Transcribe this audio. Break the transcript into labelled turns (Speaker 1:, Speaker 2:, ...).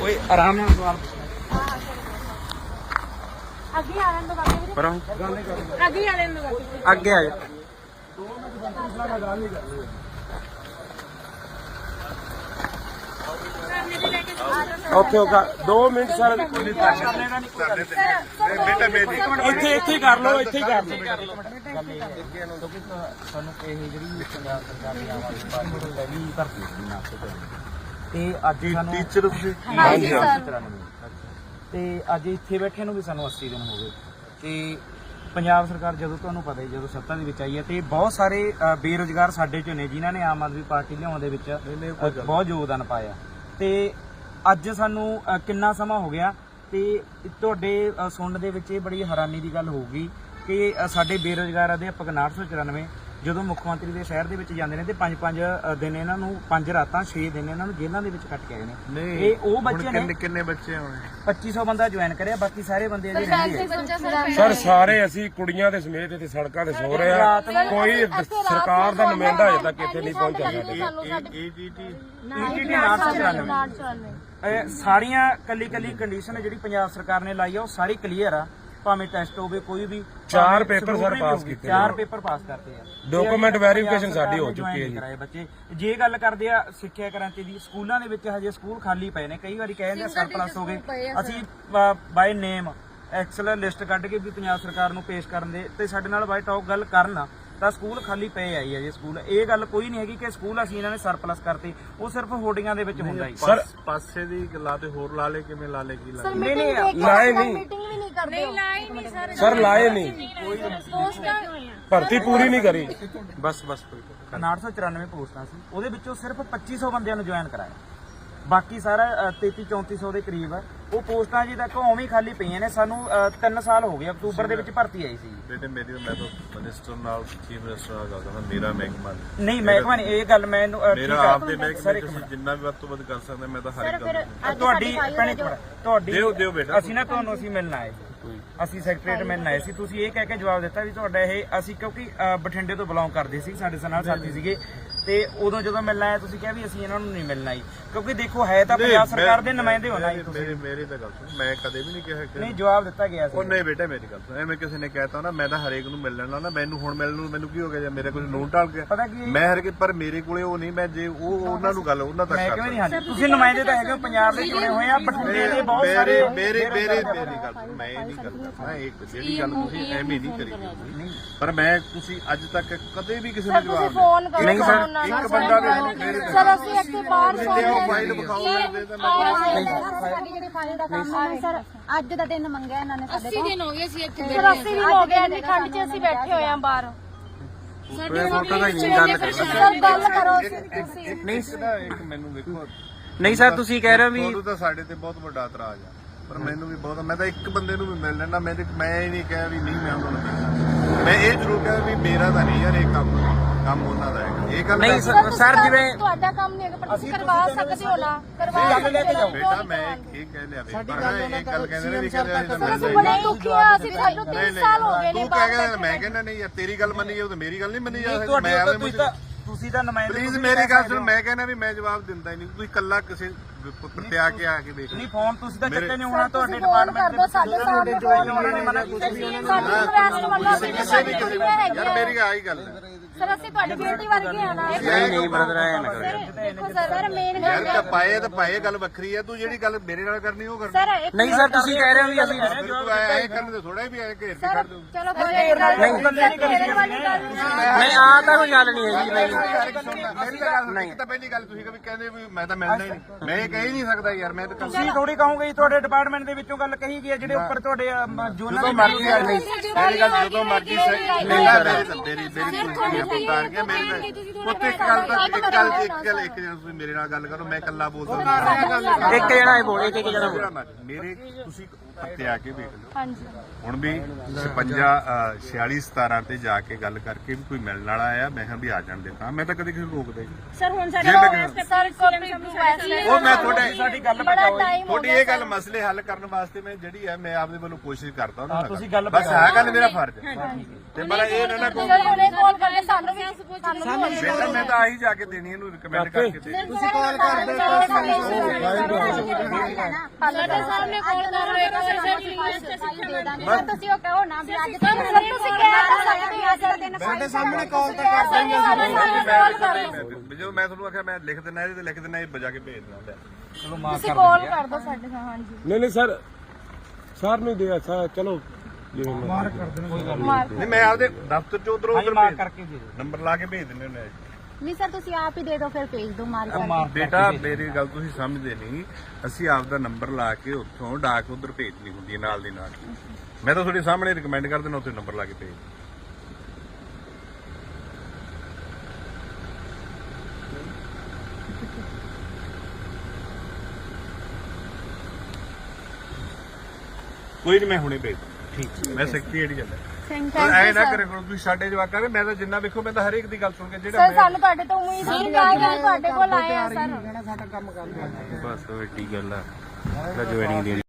Speaker 1: ਓਏ ਆਰਾਮ ਨਾਲ ਸਵਾਲ
Speaker 2: ਅੱਗੇ ਆ ਲੈਣ ਦੋ ਬਾਕੀ ਵੀਰੇ
Speaker 1: ਪਰਾਂ
Speaker 2: ਅੱਗੇ ਆ ਲੈਣ ਦੋ
Speaker 1: ਅੱਗੇ ਆ ਜਾ ਓਕੇ ਓਕੇ 2 ਮਿੰਟ ਸਰ
Speaker 3: ਬੇਟਾ ਮੇਰੀ
Speaker 1: ਇੱਥੇ ਕਰ ਲਓ ਇੱਥੇ ਹੀ ਕਰ ਲਓ
Speaker 4: ਸਾਨੂੰ ਇਹ ਜਿਹੜੀ ਪੰਜਾਬ ਸਰਕਾਰ ਦੀ ਆਮ ਆਦਮੀ ਪਾਰਟੀ ਦੀ ਪਹਿਲੀ ਭਰਤੀ ਸੀ ਨਾਸਤੇ ਤੋਂ ਤੇ ਅੱਜ ਸਾਨੂੰ
Speaker 3: ਟੀਚਰ ਤੁਸੀਂ
Speaker 2: ਹਾਂਜੀ ਸਰ
Speaker 4: ਤੇ ਅੱਜ ਇੱਥੇ ਬੈਠੇ ਨੂੰ ਵੀ ਸਾਨੂੰ 80 ਦਿਨ ਹੋ ਗਏ ਤੇ ਪੰਜਾਬ ਸਰਕਾਰ ਜਦੋਂ ਤੁਹਾਨੂੰ ਪਤਾ ਹੀ ਜਦੋਂ ਸੱਤਾ ਦੇ ਵਿੱਚ ਆਈ ਹੈ ਤੇ ਬਹੁਤ ਸਾਰੇ ਬੇਰੁਜ਼ਗਾਰ ਸਾਡੇ ਚੋਂ ਨੇ ਜਿਨ੍ਹਾਂ ਨੇ ਆਮ ਆਦਮੀ ਪਾਰਟੀ ਲਿਆਉਣ ਦੇ ਵਿੱਚ ਬਹੁਤ ਯੋਗਦਾਨ ਪਾਇਆ ਤੇ ਅੱਜ ਸਾਨੂੰ ਕਿੰਨਾ ਸਮਾਂ ਹੋ ਗਿਆ ਤੇ ਤੁਹਾਡੇ ਸੁਣਨ ਦੇ ਵਿੱਚ ਇਹ ਬੜੀ ਹੈਰਾਨੀ ਦੀ ਗੱਲ ਹੋਊਗੀ ਕਿ ਸਾਡੇ ਬੇਰੁਜ਼ਗਾਰ ਅਧਿਆਪਕ 994 ਜਦੋਂ ਮੁੱਖ ਮੰਤਰੀ ਦੇ ਸ਼ਹਿਰ ਦੇ ਵਿੱਚ ਜਾਂਦੇ ਨੇ ਤੇ 5-5 ਦਿਨ ਇਹਨਾਂ ਨੂੰ 5 ਰਾਤਾਂ 6 ਦਿਨ ਇਹਨਾਂ ਨੂੰ ਜੇਲ੍ਹਾਂ ਦੇ ਵਿੱਚ ਕੱਟ ਕੇ ਆਏ ਨੇ ਇਹ ਉਹ ਬੱਚੇ ਨੇ
Speaker 3: ਕਿੰਨੇ ਬੱਚੇ ਹੋਣੇ
Speaker 4: 2500 ਬੰਦਾ ਜੁਆਇਨ ਕਰਿਆ ਬਾਕੀ ਸਾਰੇ ਬੰਦੇ ਅਜੇ ਰਹਿੰਦੇ ਆ
Speaker 5: ਸਰ ਸਾਰੇ ਅਸੀਂ ਕੁੜੀਆਂ ਦੇ ਸਮੇਤ ਇੱਥੇ ਸੜਕਾਂ ਤੇ ਸੋ ਰਹੇ ਆ ਕੋਈ ਸਰਕਾਰ ਦਾ ਨੁਮਾਇੰਦਾ ਅਜੇ ਤੱਕ ਇੱਥੇ ਨਹੀਂ ਪਹੁੰਚਿਆ ਸਾਡੇ
Speaker 4: ETT 994 ਸਾਰੀਆਂ ਕੱਲੀ ਕੰਡੀਸ਼ਨ ਜਿਹੜੀ ਪੰਜਾਬ ਸਰਕਾਰ ਨੇ ਲਾਈ ਆ ਉਹ ਸਾਰੀ ਕਲੀਅਰ ਆ ਭਾਵੇਂ ਟੈਸਟ ਹੋਵੇ ਕੋਈ ਵੀ
Speaker 5: 4 ਪੇਪਰ ਸਰ ਪਾਸ ਕੀਤੇ
Speaker 4: 4 ਪੇਪਰ ਪਾਸ ਕਰਤੇ ਆ
Speaker 5: ਡਾਕੂਮੈਂਟ ਵੈਰੀਫਿਕੇਸ਼ਨ ਸਾਡੀ ਹੋ ਚੁੱਕੀ ਹੈ ਜੀ
Speaker 4: ਕਰਾਏ ਬੱਚੇ ਜੇ ਗੱਲ ਕਰਦੇ ਆ ਸਿੱਖਿਆ ਕ੍ਰਾਂਤੀ ਦੀ ਸਕੂਲਾਂ ਦੇ ਵਿੱਚ ਹਜੇ ਸਕੂਲ ਖਾਲੀ ਪਏ ਨੇ ਕਈ ਵਾਰੀ ਕਹਿੰਦੇ ਆ ਸਰਪਲਸ ਹੋ ਗਏ ਅਸੀਂ ਬਾਈ ਨੇਮ ਐਕਸਲ ਲਿਸਟ ਕੱਢ ਕੇ ਵੀ ਪੰਜਾਬ ਸਰਕਾਰ ਨੂੰ ਪੇਸ਼ ਕਰਨ ਦੇ ਤੇ ਸਾਡੇ ਨਾਲ ਬਾਈ ਟਾਕ ਗੱਲ ਕਰਨ ਤਾਂ ਸਕੂਲ ਖਾਲੀ ਪਏ ਆਈ ਹੈ ਜੇ ਸਕੂਲ ਇਹ ਗੱਲ ਕੋਈ ਨਹੀਂ ਹੈਗੀ ਕਿ ਸਕੂਲ ਅਸੀਂ ਇਹਨਾਂ ਨੇ ਸਰਪਲਸ ਕਰਤੇ ਉਹ ਸਿਰਫ ਹੋਰਡਿੰਗਾਂ ਦੇ ਵਿੱਚ ਹੁੰਦਾ ਹੀ
Speaker 5: ਸਰ
Speaker 3: ਪਾਸੇ ਦੀ ਗੱਲਾਂ ਤੇ ਹੋਰ ਲਾ ਲੇ ਕਿਵੇਂ ਲਾ ਲੇ ਕੀ ਲਾ
Speaker 2: ਸਰ
Speaker 4: ਨਹੀਂ,
Speaker 2: ਮੀਟਿੰਗ
Speaker 5: ਲਾਏ ਨਹੀਂ।
Speaker 2: ਮੀਟਿੰਗ ਵੀ ਨਹੀਂ ਕਰਦੇ ਨਹੀਂ ਲਾਏ ਨਹੀਂ
Speaker 5: ਸਰ ਲਾਏ ਨਹੀਂ
Speaker 2: ਪੋਸਟਾਂ
Speaker 5: ਭਰਤੀ ਪੂਰੀ ਨਹੀਂ ਕਰੀ
Speaker 1: ਬਸ ਬਸ ਕੋਈ
Speaker 4: 994 ਪੋਸਟਾਂ ਸੀ ਉਹਦੇ ਵਿੱਚੋਂ ਸਿਰਫ 2500 ਬੰਦਿਆਂ ਨੂੰ ਜੁਆਇਨ ਕਰਾਇਆ ਬਾਕੀ ਸਾਰਾ 33-3400 ਦੇ ਕਰੀਬ ਉਹ ਪੋਸਟਾਂ ਜੀ ਤੱਕ ਉਵੇਂ ਹੀ ਖਾਲੀ ਪਈਆਂ ਨੇ ਸਾਨੂੰ 3 ਸਾਲ ਹੋ ਗਏ ਅਕਤੂਬਰ ਦੇ ਵਿੱਚ ਭਰਤੀ ਆਈ ਸੀ
Speaker 3: ਬੇਟੇ ਮੇਰੀ ਮੈਂ ਤਾਂ ਮਿਨਿਸਟਰ ਨਾਲ ਚੀਫ ਮਿਨਿਸਟਰ ਨਾਲ ਗੱਲ ਕਰਦਾ ਮੇਰਾ ਮਹਿਕਮਾ
Speaker 4: ਨਹੀਂ ਮਹਿਕਮਾ ਨਹੀਂ ਇਹ ਗੱਲ ਮੈਨੂੰ
Speaker 3: ਮੇਰਾ ਆਪ ਦੇ ਮਹਿਕਮੇ ਤੁਸੀਂ ਜਿੰਨਾ ਵੀ ਵੱਧ ਤੋਂ ਵੱਧ ਕਰ ਸਕਦੇ ਮੈਂ ਤਾਂ ਹਰ ਇੱਕ ਗੱਲ
Speaker 4: ਤੁਹਾਡੀ ਤੁਹਾਡੀ
Speaker 3: ਦਿਓ ਬੇਟਾ
Speaker 4: ਅਸੀਂ ਨਾ ਤੁਹਾਨੂੰ ਅਸੀਂ ਮਿਲਣ ਆਏ ਅਸੀਂ ਸੈਕਟਰੀਏਟ ਮਿਲਣ ਆਏ ਸੀ ਤੁਸੀਂ ਇਹ ਕਹਿ ਕੇ ਜਵਾਬ ਦਿੱਤਾ ਵੀ ਤੁਹਾਡਾ ਇਹ ਅਸੀਂ ਕਿਉਂਕਿ ਬਠਿੰਡੇ ਤੋਂ ਬਿਲੋਂਗ ਕਰਦੇ ਸੀ ਸਾਡੇ ਨਾਲ ਸਾਥੀ ਸੀਗੇ ਤੇ ਉਦੋਂ ਜਦੋਂ ਮਿਲਣਾ ਆਇਆ ਤੁਸੀਂ ਕਿਹਾ ਵੀ ਅਸੀਂ ਇਹਨਾਂ ਨੂੰ ਨਹੀਂ ਮਿਲਣਾ ਆਈ ਕਿਉਂਕਿ ਦੇਖੋ ਹੈ ਤਾਂ ਪੰਜਾਬ ਸਰਕਾਰ ਦੇ ਨੁਮਾਇੰਦੇ ਹੋਣਾ
Speaker 3: ਮੇਰੀ ਤਾਂ ਗੱਲ ਸੁਣ ਮੈਂ ਕਦੇ ਵੀ ਨਹੀਂ ਕਿਹਾ ਕਿ
Speaker 4: ਨਹੀਂ ਜਵਾਬ ਦਿੱਤਾ ਗਿਆ ਸੀ
Speaker 3: ਉਹ ਨਹੀਂ ਬੇਟਾ ਮੇਰੀ ਗੱਲ ਸੁਣ ਐਵੇਂ ਕਿਸੇ ਨੇ ਕਹਿਤਾ ਨਾ ਮੈਂ ਤਾਂ ਹਰੇਕ ਨੂੰ ਮਿਲ ਲੈਣਾ ਨਾ ਮੈਨੂੰ ਹੁਣ ਮਿਲਣ ਨੂੰ ਮੈਨੂੰ ਕੀ ਹੋ ਗਿਆ ਜਾਂ ਮੇਰੇ ਕੋਲ ਨੋਟ ਢਾਲ ਗਿਆ
Speaker 4: ਪਤਾ ਕੀ
Speaker 3: ਮੈਂ ਹਰੇਕ ਪਰ ਮੇਰੇ ਕੋਲੇ ਉਹ ਨਹੀਂ ਮੈਂ ਜੇ ਉਹ ਉਹਨਾਂ ਨੂੰ ਗੱਲ ਉਹਨਾਂ ਤੱਕ
Speaker 4: ਮੈਂ ਕਿਵੇਂ ਨਹੀਂ ਹਾਂਜੀ ਤੁਸੀਂ ਨੁਮਾਇੰਦੇ ਤਾਂ ਹੈਗੇ ਪੰਜਾਬ ਦੇ ਚੁਣੇ ਹੋਏ ਆ ਬਠਿੰਡੇ ਦੇ ਬਹੁਤ ਸਾਰੇ
Speaker 3: ਮੇਰੀ ਗੱਲ ਸੁਣ ਮੈਂ ਇਹ ਨਹੀਂ ਕਰਦਾ ਮੈਂ ਇੱਕ ਜਿਹੜੀ ਗੱਲ ਤੁਸੀਂ ਐਵੇਂ ਨਹੀਂ ਕਰੀ ਪਰ ਮੈਂ ਤੁਸੀਂ ਅੱਜ ਤੱਕ ਕਦੇ ਵੀ ਕਿਸੇ ਨੂੰ
Speaker 2: ਤੁਸੀਂ
Speaker 3: ਜਵਾਬ
Speaker 2: ਫੋਨ ਕਰੋ
Speaker 3: ਨਹੀਂ ਸਰ ਇੱਕ ਬੰਦਾ
Speaker 2: ਸਰ ਅਸੀਂ ਇੱਥੇ ਬਾਹਰ
Speaker 3: ਫਾਈਲ ਵਿਖਾਓ ਦੇ ਤਾਂ
Speaker 2: ਸਾਡੀ ਜਿਹੜੀ ਫਾਈਲ ਦਾ ਕੰਮ ਹੈ ਸਰ ਅੱਜ ਦਾ ਦਿਨ ਮੰਗਿਆ ਇਹਨਾਂ ਨੇ ਸਾਡੇ
Speaker 6: 80 ਦਿਨ ਹੋ ਗਏ ਸੀ ਇੱਥੇ
Speaker 2: ਸਰ 80 ਦਿਨ ਹੋ ਗਏ ਇੰਨੀ ਠੰਡ 'ਚ ਅਸੀਂ ਬੈਠੇ ਹੋਏ ਆਂ ਬਾਹਰ
Speaker 6: ਸਾਡੇ
Speaker 1: ਫੋਟੋ ਦਾ ਨਹੀਂ ਗੱਲ ਕਰੋ
Speaker 2: ਸਰ ਗੱਲ ਕਰੋ ਤੁਸੀਂ
Speaker 1: ਨਹੀਂ
Speaker 3: ਇੱਕ ਮੈਨੂੰ ਦੇਖੋ
Speaker 1: ਨਹੀਂ ਸਰ ਤੁਸੀਂ ਕਹਿ ਰਹੇ ਹੋ ਵੀ
Speaker 3: ਤੁਹਾਨੂੰ ਤਾਂ ਸਾਡੇ ਤੇ ਬਹੁਤ ਵੱਡਾ ਇਤਰਾਜ਼ ਆ ਪਰ ਮੈਨੂੰ ਵੀ ਬਹੁਤ ਮੈਂ ਤਾਂ ਇੱਕ ਬੰਦੇ ਨੂੰ ਵੀ ਮਿਲ ਲੈਣਾ ਮੈਂ ਇਹ ਨਹੀਂ ਕਿਹਾ ਵੀ ਨਹੀਂ ਮੈਂ ਉਹਨਾਂ ਨੂੰ ਮਿਲਣਾ ਮੈਂ ਇਹ ਜ਼ਰੂਰ ਕਿਹਾ ਵੀ ਮੇਰਾ ਤਾਂ ਨਹੀਂ ਯਾਰ ਇਹ ਕੰਮ ਉਹਨਾਂ ਦਾ ਹੈਗਾ ਇਹ ਗੱਲ
Speaker 1: ਨਹੀਂ ਸਰ ਜਿਵੇਂ
Speaker 2: ਤੁਹਾਡਾ ਕੰਮ ਨਹੀਂ ਹੈਗਾ ਪਰ ਤੁਸੀਂ ਕਰਵਾ ਸਕਦੇ ਹੋ ਨਾ ਕਰਵਾ
Speaker 3: ਬੇਟਾ ਮੈਂ ਇਹ ਕਹਿ ਲਿਆ ਵੀ ਪਰ ਇਹ ਗੱਲ ਕਹਿੰਦੇ ਨੇ ਵੀ ਕਹਿੰਦੇ
Speaker 2: ਅਸੀਂ ਬੜੇ ਦੁਖੀ ਆ ਅਸੀਂ ਸਾਨੂੰ 3 ਸਾਲ ਹੋ ਗਏ ਨੇ
Speaker 3: ਤੂੰ ਕਹਿ ਗਿਆ ਮੈਂ ਕਹਿੰਦਾ ਨਹੀਂ ਯਾਰ ਤੇਰੀ ਗੱਲ ਮੰਨੀ ਜਾਊ ਤੇ ਮੇਰੀ ਗੱਲ ਨਹੀਂ ਮੰਨੀ ਜਾ ਸਕਦੀ ਮੈਂ
Speaker 4: ਤੁਸੀਂ ਤਾਂ ਨੁਮਾਇੰਦੇ
Speaker 3: ਪਲੀਜ਼ ਮੇਰੀ ਗੱਲ ਸੁਣ ਮੈਂ ਕਹਿੰਦਾ ਵੀ ਮੈਂ ਜਵਾਬ ਦਿੰਦਾ ਹੀ ਨਹੀਂ ਤੁਸੀਂ ਇਕੱਲਾ ਕਿਸੇ ਪ੍ਰਤਿਆ ਕੇ ਆ ਕੇ ਦੇਖ
Speaker 4: ਨਹੀਂ ਫੋਨ ਤੁਸੀਂ ਤਾਂ ਚੱਕੇ ਨਹੀਂ ਹੋਣਾ ਤੁਹਾਡੇ ਡਿਪਾਰਟਮੈਂਟ ਦੇ
Speaker 2: ਸਾਡੇ ਸਾਹਮਣੇ
Speaker 4: ਉਹਨਾਂ ਨੇ ਮਨਾ ਕੀਤਾ
Speaker 2: ਸਾਡੀ ਰਿਕਵੈਸਟ ਵੱਲੋਂ ਅਸੀਂ
Speaker 3: ਕਿਸੇ ਵੀ ਕਰੀ ਯਾਰ ਮੇਰੀ ਆਹੀ ਗੱਲ ਹੈ
Speaker 2: ਸਰ ਅਸੀਂ ਤੁਹਾਡੀ ਬੇਟੀ ਵਰਗੇ ਆ ਨਾ
Speaker 1: ਨਹੀਂ ਬ੍ਰਦਰ ਆਇਆ ਨਾ ਕਰੋ
Speaker 2: ਦੇਖੋ ਸਰ ਮੇਨ
Speaker 3: ਯਾਰ ਤਾਂ ਪਾਏ ਗੱਲ ਵੱਖਰੀ ਹੈ ਤੂੰ ਜਿਹੜੀ ਗੱਲ ਮੇਰੇ ਨਾਲ ਕਰਨੀ ਉਹ ਕਰਨੀ
Speaker 2: ਸਰ ਇੱਕ
Speaker 1: ਨਹੀਂ ਸਰ ਤੁਸੀਂ ਕਹਿ ਰਹੇ ਹੋ ਵੀ ਅਸੀਂ
Speaker 3: ਤੂੰ ਆਇਆ ਇਹ ਕਰਨ ਦੇ ਥੋੜਾ ਵੀ ਆਇਆ ਘੇਰ ਕੇ ਖੜ ਦੂੰ
Speaker 2: ਚਲੋ ਕੋਈ ਗੱਲ
Speaker 1: ਨਹੀਂ ਆ ਤਾਂ ਕੋਈ ਗੱਲ ਨਹੀਂ ਹੈਗੀ ਨਹੀਂ
Speaker 3: ਇੱਕ ਤਾਂ ਪਹਿਲੀ ਗੱਲ ਤੁਸੀਂ ਕਦੇ ਕਹਿੰਦੇ ਵੀ ਮੈਂ ਤਾਂ ਮਿਲਣਾ ਹੀ ਨਹੀਂ ਮੈਂ ਇਹ ਕਹਿ ਹੀ ਨਹੀਂ ਸਕਦਾ ਯਾਰ ਮੈਂ ਤਾਂ
Speaker 4: ਤੁਸੀਂ ਥੋੜੀ ਕਹੋਗੇ ਜੀ ਤੁਹਾਡੇ ਡਿਪਾਰਟਮੈਂਟ ਦੇ ਵਿੱਚੋਂ ਗੱਲ ਕਹੀ ਗਈ ਹੈ ਜਿਹੜੇ ਉੱਪਰ ਤੁਹਾਡੇ ਜੋਨਾਂ
Speaker 3: ਜਦੋਂ ਮਰਜ਼ੀ ਆ ਨਹੀਂ ਮੇਰੀ ਗੱਲ ਜਦੋਂ ਮਰਜ਼ੀ ਮੇਰੀ ਪੁੱਤਾਰ ਗਿਆ ਮੇਰੇ ਪੁੱਤ ਇੱਕ ਗੱਲ ਤੁਸੀਂ ਮੇਰੇ ਨਾਲ ਗੱਲ ਕਰੋ ਮੈਂ ਇਕੱਲਾ ਬੋਲਦਾ
Speaker 1: ਇੱਕ ਜਣਾ ਇਹ ਬੋਲ ਇੱਕ ਜਣਾ
Speaker 3: ਮੇਰੇ ਤੁਸੀਂ ਉੱਤੇ ਆ ਕੇ ਵੇਖ ਲਓ
Speaker 2: ਹਾਂਜੀ
Speaker 3: ਹੁਣ ਵੀ 46-17 ਤੇ ਜਾ ਕੇ ਗੱਲ ਕਰਕੇ ਵੀ ਕੋਈ ਮਿਲਣ ਵਾਲਾ ਆਇਆ ਮੈਂ ਕਿਹਾ ਵੀ ਆ ਜਾਣ ਦੇ ਤਾਂ ਮੈਂ ਤਾਂ ਕਦੇ ਕਿਸੇ ਨੂੰ ਰੋਕਦਾ ਹੀ ਨਹੀਂ
Speaker 2: ਸਰ ਹੁਣ ਸਾਡੇ ਸਰ
Speaker 3: ਉਹ ਮੈਂ ਤੁਹਾਡੇ
Speaker 4: ਸਾਡੀ ਗੱਲ
Speaker 2: ਬੜਾ ਟਾਈਮ ਹੋ
Speaker 3: ਤੁਹਾਡੀ ਇਹ ਗੱਲ ਮਸਲੇ ਹੱਲ ਕਰਨ ਵਾਸਤੇ ਮੈਂ ਜਿਹੜੀ ਹੈ ਮੈਂ ਆਪਦੇ ਵੱਲੋਂ ਕੋਸ਼ਿਸ਼ ਕਰਦਾ ਉਹਨਾਂ ਨਾਲ
Speaker 4: ਤੁਸੀਂ ਗੱਲ
Speaker 3: ਬਸ ਆਹ ਗੱਲ ਮੇਰਾ ਫਰਜ਼ ਹੈ ਤੇ ਪਰ ਇਹ ਨਾ ਕੋਈ
Speaker 2: ਸਰ ਹੁਣੇ ਕਾਲ ਕਰਕੇ ਸਾਨੂੰ ਵੀ
Speaker 3: ਬੇਟਾ ਮੈਂ ਤਾਂ ਆਹੀ ਜਾ ਕੇ ਦੇਣੀ ਇਹਨੂੰ ਰਿਕਮੈਂਡ ਕਰਕੇ ਦੇ
Speaker 2: ਤੁਸੀਂ ਕਾਲ ਕਰਦੇ
Speaker 6: ਸਾਡੇ ਸਾਹਮਣੇ ਕਾਲ ਕਰ ਰਹੇ ਹੋ ਸਾਡੀ ਲਿਸਟ
Speaker 2: ਸਰ ਤੁਸੀਂ ਉਹ ਕਹੋ ਨਾ ਵੀ ਅੱਜ ਤੱਕ ਸਰ ਤੁਸੀਂ ਕਹਿ ਤਾਂ ਸਕਦੇ ਹੋ ਅੱਜ ਦਾ ਦਿਨ
Speaker 1: ਸਾਡੇ ਸਾਹਮਣੇ ਕਾਲ ਤਾਂ ਕਰ ਦਾਂਗੇ
Speaker 3: ਜਦੋਂ ਮੈਂ ਤੁਹਾਨੂੰ ਆਖਿਆ ਮੈਂ ਲਿਖ ਦਿੰਦਾ ਇਹਦੇ ਤੇ ਲਿਖ ਦਿੰਦਾ ਇਹ ਬਜਾ ਕੇ ਭੇਜ ਦਿੰਦਾ
Speaker 4: ਚਲੋ ਮਾਫ
Speaker 2: ਤੁਸੀਂ
Speaker 4: ਕਰ
Speaker 2: ਕਾਲ
Speaker 4: ਦਿੰਦੇ ਆ।
Speaker 2: ਕਰ ਦਿਓ ਸਾਡੇ ਨਾਲ ਹਾਂਜੀ
Speaker 5: ਨਹੀਂ ਸਰ ਸਰ ਨੂੰ ਦੇ ਚਲੋ ਜਿਵੇਂ ਮਾਰ ਕਰ
Speaker 3: ਨਹੀਂ ਮੈਂ ਆਪਦੇ ਦਫ਼ਤਰ ਚ ਉਧਰੋਂ
Speaker 4: ਹਾਂਜੀ
Speaker 3: ਉਧਰ
Speaker 4: ਮਾਫ ਕਰਕੇ ਦੇ ਦਿਓ।
Speaker 3: ਨੰਬਰ ਲਾ ਕੇ ਭੇਜ ਦਿੰਦੇ ਹੁੰਦੇ ਆ
Speaker 2: ਨਹੀਂ ਸਰ ਤੁਸੀਂ ਆਪ ਹੀ ਦੇ ਦਿਓ ਫਿਰ ਭੇਜ ਦਿਓ ਮਾਰ ਕਰਕੇ
Speaker 4: ਮਾਫ
Speaker 3: ਬੇਟਾ ਮੇਰੀ ਗੱਲ ਤੁਸੀਂ ਸਮਝਦੇ ਨਹੀਂ ਅਸੀਂ ਆਪਦਾ ਨੰਬਰ ਲਾ ਕੇ ਉੱਥੋਂ ਡਾਕ ਉਧਰ ਭੇਜਣੀ ਹੁੰਦੀ ਹੈ ਨਾਲ ਦੀ ਨਾਲ ਮੈਂ ਤਾਂ ਤੁਹਾਡੇ ਸਾਹਮਣੇ ਰਿਕਮੈਂਡ ਕਰ ਦੇਣਾ ਉੱਥੇ ਨੰਬਰ ਲਾ ਕੇ ਭੇਜ ਕੋਈ ਨਹੀਂ ਮੈਂ ਹੁਣੇ ਭੇਜ ਠੀਕ ਮੈਂ ਸੈਕਟਰੀ ਜਾਂਦਾ
Speaker 2: ਥੈਂਕ
Speaker 3: ਐ ਨਾ ਕਰੇ ਕਰੋ ਤੁਸੀਂ ਸਾਡੇ ਜਵਾਕਾਂ ਦੇ ਮੈਂ ਤਾਂ ਜਿੰਨਾ ਵੇਖੋ ਮੈਂ ਤਾਂ ਹਰੇਕ ਦੀ ਗੱਲ ਸੁਣ ਕੇ ਜਿਹੜਾ
Speaker 2: ਸਰ ਸਾਨੂੰ ਤੁਹਾਡੇ ਤੋਂ ਉਮੀਦ ਸੀ ਕਿ ਤੁਹਾਡੇ ਕੋਲ ਆਏ ਆ ਸਰ
Speaker 1: ਸਾਡਾ ਕੰਮ ਕਰ
Speaker 3: ਬਸ ਉਹ ਏਡੀ ਗੱਲ ਆ ਜੁਆਇਨਿੰਗ ਦੀ